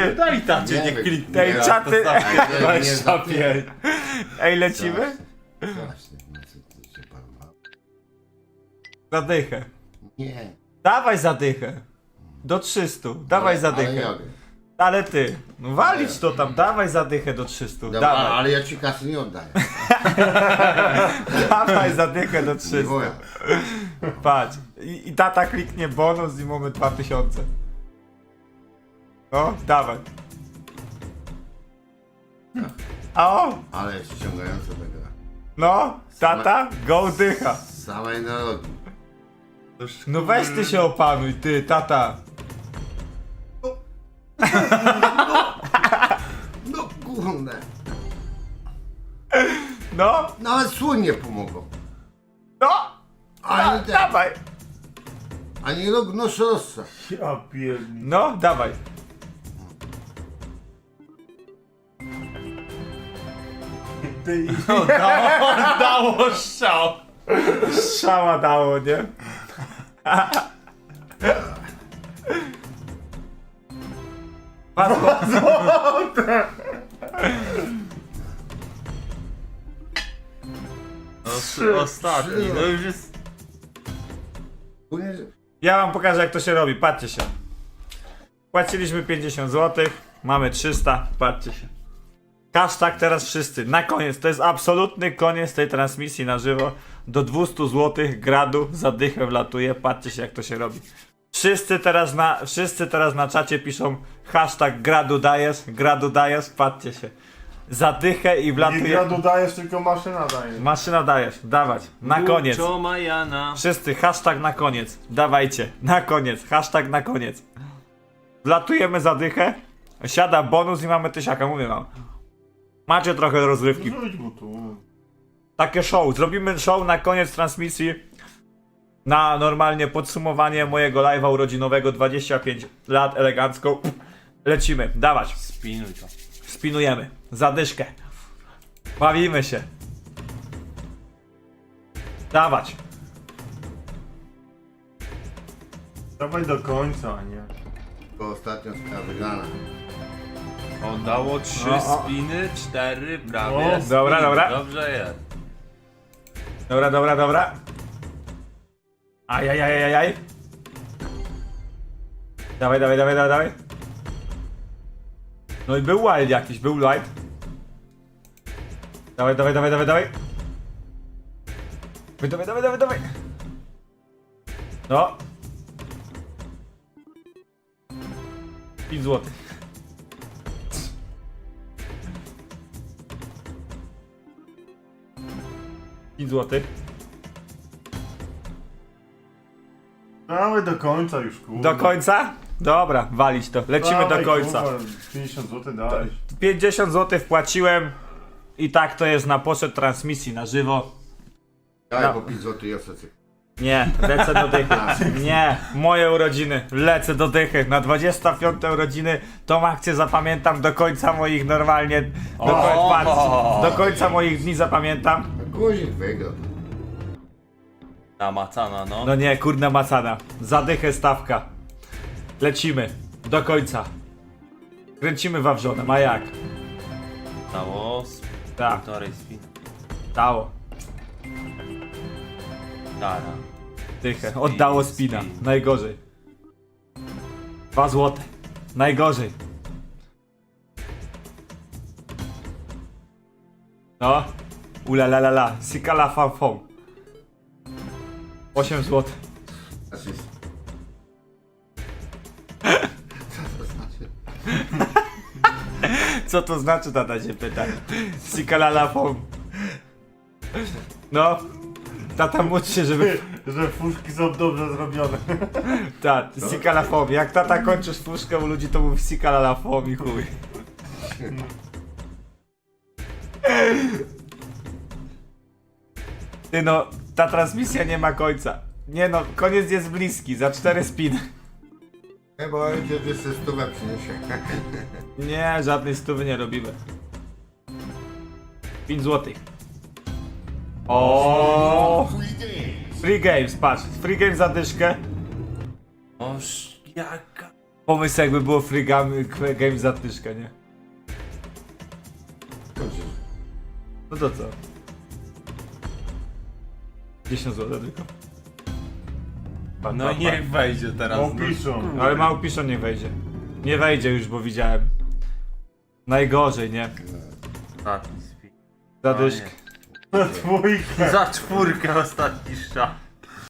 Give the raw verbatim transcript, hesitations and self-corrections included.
Ty, Daj tacie, Nie nie wiem. kliknę. Ej, Nie, czaty. to tak, nie dwadzieścia za- pięć. Ej, lecimy? Właśnie, no co ty się pan ma? Zadychę. Nie. Dawaj zadychę. Do trzystu. Dawaj Ale zadychę. nie mogę. Ale ty, no walić to tam, dawaj zadychę do trzystu. Dobra, Dawaj. ale ja ci kasy nie oddaję. Dawaj zadychę do Nie trzystu. moja. Patrz. I, I tata kliknie bonus i mamy dwa tysiące. No, dawaj. A o, Ale jest ściągająca ta gra. no, tata, go dycha. Z samej narodu. No weź ty się opanuj, ty, tata. No kurde. No, Nawet słoń nie pomogą. no, Ani da, ten. dawaj. Ani rognosorosa. Ja pierdolę. No, dawaj. Ty No, dało, dało strzał. Strzała dało, nie? Padło. Trzy, ostatni, no już jest... Płynie, Ja wam pokażę, jak to się robi, patrzcie się. Płaciliśmy pięćdziesiąt złotych, mamy trzysta, patrzcie się. Hashtag teraz wszyscy, na koniec, to jest absolutny koniec tej transmisji na żywo. Do dwieście złotych gradu zadychę wlatuje, patrzcie się, jak to się robi. Wszyscy teraz na, wszyscy teraz na czacie piszą hashtag gradu dajesz, gradu dajesz, patrzcie się. Zadychę i Nie wlatuje. gradu dajesz, tylko maszyna daje. Maszyna dajesz, dawać, na koniec. Buczo Majana. Wszyscy, hashtag na koniec. Dawajcie, na koniec, hashtag na koniec. Wlatujemy zadychę, siada bonus i mamy tysiaka, mówię wam. Macie trochę rozrywki. Rzuć mu tu. Takie show, zrobimy show na koniec transmisji. Na normalnie podsumowanie mojego live'a urodzinowego, dwadzieścia pięć lat, elegancko. Lecimy, dawać, Spinuj to. spinujemy, zadyszkę. Bawimy się. Dawać. Dawaj do końca, a nie. bo ostatnio sprawa wygrana. Oddało trzy O, o. spiny, cztery prawie. No, spin. dobra, dobra. Dobrze jest. Dobra, dobra, dobra. Ajajajajaj. Dawaj, dawaj, dawaj, dawaj, dawaj. No i był wild jakiś, był wild. Dawaj, dawaj, dawaj, dawaj, dawaj. Dawaj, dawaj, dawaj, dawaj. No. pięć złotych. pięć złotych. Dawaj do końca już, kurde. Do końca? Dobra, walić to. Lecimy Dawaj, do końca. kurwa, pięćdziesiąt złotych dałeś. pięćdziesiąt złotych wpłaciłem i tak to jest na poszedł transmisji na żywo. Dawaj No. po pięć złotych i ostatnie. Nie, lecę do dychy. Nie, moje urodziny. Lecę do dychy. Na dwudzieste piąte urodziny tą akcję zapamiętam do końca moich normalnie. Do, koń, patrz, do końca moich dni zapamiętam. Guzik wygrał. Namacana, no. No nie, kurna macana. Za dychę stawka. Lecimy. Do końca. Kręcimy wawrzonem, a jak? Dało z Tak, półtorej spiny. dało. Dara. Dychę. Spin, Oddało spina. spin. Najgorzej. Dwa złote. Najgorzej. No. Ula la la la. Sikala fam fam. osiem złotych. Asyst. Co to znaczy? Co to znaczy, tata się pyta. Sikala la fam. No. Tata módl się, żeby... Że fuszki są dobrze zrobione. Tak, sikala fam. Jak tata kończysz fuszkę u ludzi, to mów sikala la fam i chuj. Ty no, ta transmisja nie ma końca. Nie no, koniec jest bliski, za cztery spiny. Chyba ojciec jeszcze stówę przyniesie. Nie, żadnej stówy nie robimy. pięć złotych. O, Free games, patrz. Free games za dyszkę. Oż jaka Pomysł jakby było free game, game za tyszkę, nie? No to co? dziesięć złotych tylko. Pa, No pa, i pa. niech wejdzie teraz. No no. piszą. Ale mało piszą, niech wejdzie. Nie wejdzie już, bo widziałem. Najgorzej, nie? Ostatni spin. Zadyszkę. Na dwójkę. Za czwórkę ostatni strzał.